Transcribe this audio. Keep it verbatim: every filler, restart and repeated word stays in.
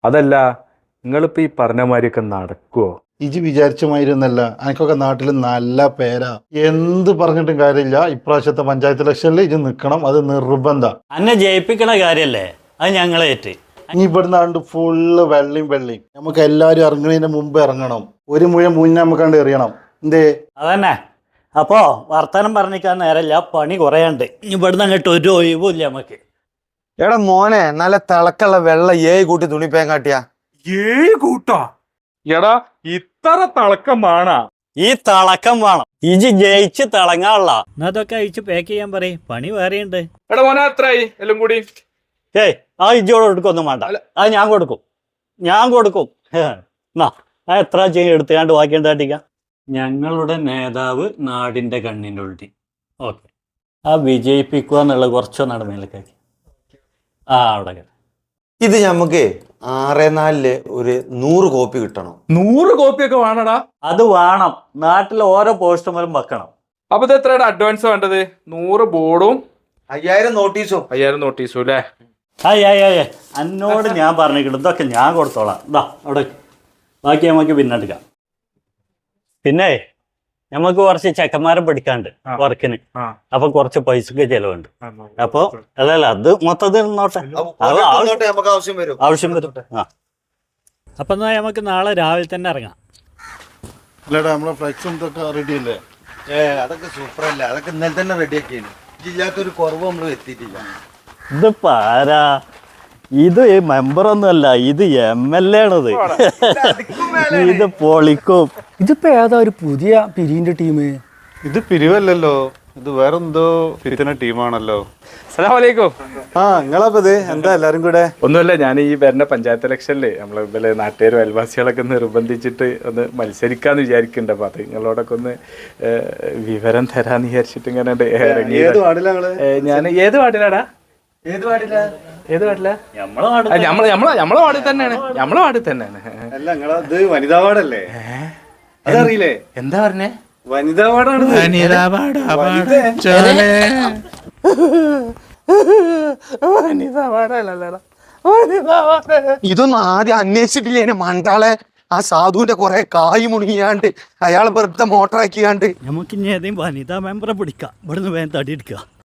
അതല്ല നിങ്ങളിപ്പോ ഈ പറഞ്ഞ മാതിരിയൊക്കെ നടക്കുവോ? ഇജി വിചാരിച്ച മാതിരിയൊന്നല്ല. എനിക്കൊക്കെ നാട്ടിൽ നല്ല പേരാ. എന്ത് പറഞ്ഞിട്ടും കാര്യമില്ല. ഇപ്രാവശ്യത്തെ പഞ്ചായത്ത് ഇലക്ഷനിൽ ഇജ് നിൽക്കണം, അത് നിർബന്ധ. അന്നെ ജയിപ്പിക്കണ കാര്യല്ലേ, അത് ഞങ്ങളേറ്റ്. ഇനി ഇവിടുന്ന് കണ്ട് ഫുള്ള് വെള്ളിയും വെള്ളിയും. നമുക്ക് എല്ലാവരും ഇറങ്ങുന്നതിന് മുമ്പ് ഇറങ്ങണം. ഒരു മുഴം മുന്നേ നമുക്ക് കണ്ട് എറിയണം. എന്തേ? അതന്നെ. അപ്പോ വർത്തമാനം പറഞ്ഞിക്കാൻ നേരമില്ല, പണി കുറയാണ്ട്. ഇവിടുന്ന് അങ്ങോട്ട് ഒരു ഒഴിവില്ല നമുക്ക്. എടാ മോനെ, നല്ല തിളക്കുള്ള വെള്ളം ഏഴ് കൂട്ടി തുണിപ്പേൻ കാട്ടിയാ. ഏഴ് കൂട്ടാ? എടാ ഇത്ര തിളക്കം വേണ? ഈ തിളക്കം വേണം. ഇജ് ജയിച്ച് തിളങ്ങാനുള്ള അതൊക്കെ അയച്ച് പാക്ക് ചെയ്യാൻ പറയും. പണി വേറെയുണ്ട്. എടാ മോനെ എത്രയായി എല്ലാം കൂടി? ഏയ് ആ ഇജോട് കൊടുക്കൊന്നും വേണ്ട, അത് ഞാൻ കൊടുക്കും, ഞാൻ കൊടുക്കും. എന്നാ ആ എത്ര ചെയ്യും എടുത്തുകാണ്ട് ബാക്കി എന്താട്ടിക്കാം. ഞങ്ങളുടെ നേതാവ് നാടിന്റെ കണ്ണിൻ്റെ ഉള്ളി. ഓക്കെ, ആ വിജയിപ്പിക്കുക എന്നുള്ള കുറച്ചോ നടമേലേക്കാക്കി. ആ അവിടെ ഇത് ഞമ്മക്ക് ആറേ നാലില് ഒരു നൂറ് കോപ്പി കിട്ടണം. നൂറ് കോപ്പിയൊക്കെ വേണടാ? അത് വേണം. നാട്ടിൽ ഓരോ പോസ്റ്റർമാരും വെക്കണം. അപ്പൊ ഇത് എത്രയുടെ അഡ്വാൻസ് വേണ്ടത്? നൂറ് ബോർഡും അയ്യായിരം നോട്ടീസും. അയ്യായിരം നോട്ടീസും അല്ലേ? ആയി ആയി ആയി എന്നോട് ഞാൻ പറഞ്ഞിട്ടുണ്ട്, ഇതൊക്കെ ഞാൻ കൊടുത്തോളാം. ഇതാ അവിടെ, ബാക്കി നമുക്ക് പിന്നെ എടുക്കാം. പിന്നെ നമുക്ക് കുറച്ച് ചെക്കന്മാരെ പഠിക്കാണ്ട് വർക്കിന്, അപ്പൊ കുറച്ച് പൈസക്ക് ചെലവുണ്ട്. അപ്പൊ അല്ലല്ല അത് മൊത്തത്തിൽ നോട്ടെ, ആവശ്യം വരും ആവശ്യം വരും. ആ അപ്പൊ എന്നാ നമുക്ക് നാളെ രാവിലെ തന്നെ ഇറങ്ങാം. അല്ലേടാ, നമ്മളെ ഫ്ലെക്സും ഇതൊക്കെ റെഡി അല്ലേ? ഏ അതൊക്കെ സൂപ്പർ അല്ലേ, അതൊക്കെ ഇന്നലെ തന്നെ റെഡി ആക്കിയാണ്. ഇല്ലാത്തൊരു കുറവ് നമ്മൾ എത്തിയിട്ടില്ല. ഇതിപ്പോ ആരാ? ഇത് മെമ്പറൊന്നുമല്ല, ഇത് എം എൽ എ ആണത്. ഇത് പൊളിക്കും. ഇതിപ്പോ ഏതാ ഒരു പുതിയ പിരിവിന്റെ ടീം? ഇത് പിരിവല്ലല്ലോ, ഇത് വേറെന്തോ പിരിക്കുന്ന ടീമാണല്ലോ. അസ്സലാമലൈക്കും. ആ നിങ്ങളപ്പോ ഇത് എന്താ എല്ലാരും കൂടെ? ഒന്നുമില്ല, ഞാൻ ഈ വരുന്ന പഞ്ചായത്ത് ഇലക്ഷനില് നമ്മളെ ഇവലെ നാട്ടുകാരും അയൽവാസികളൊക്കെ നിർബന്ധിച്ചിട്ട് ഒന്ന് മത്സരിക്കാന്ന് വിചാരിക്കുന്നുണ്ട്. അപ്പൊ അത് നിങ്ങളോടൊക്കെ ഒന്ന് വിവരം തരാന്ന് വിചാരിച്ചിട്ട് ഇങ്ങനെ ഇറങ്ങി. ഞാൻ ഏത് വാർഡിലാടാ? ഏത് പാടില്ല? ഏത് വാർഡില? നമ്മളെ നാട് നമ്മളെ നമ്മളെ നമ്മളെ വാർഡിൽ തന്നെയാണ്. നമ്മളെ വാർഡിൽ തന്നെയാണ്. അല്ല നിങ്ങളത് വനിതാ വാർഡല്ലേ? അതറിയില്ലേ? എന്താ പറഞ്ഞേ? വനിതാ വാർഡാണ്. ഇതൊന്നും ആദ്യം അന്വേഷിച്ചിട്ടില്ലേ മണ്ടാളെ? ആ സാധുവിന്റെ കുറെ കായ് മുണിയാണ്ട് അയാളെ വെറുതെ മോട്ടറാക്കിയാണ്ട്. നമുക്ക് ഇനി ഏതെങ്കിലും വനിതാ മെമ്പറെ പിടിക്കാം. ഇവിടുന്ന് വേഗം തടി എടുക്കുക.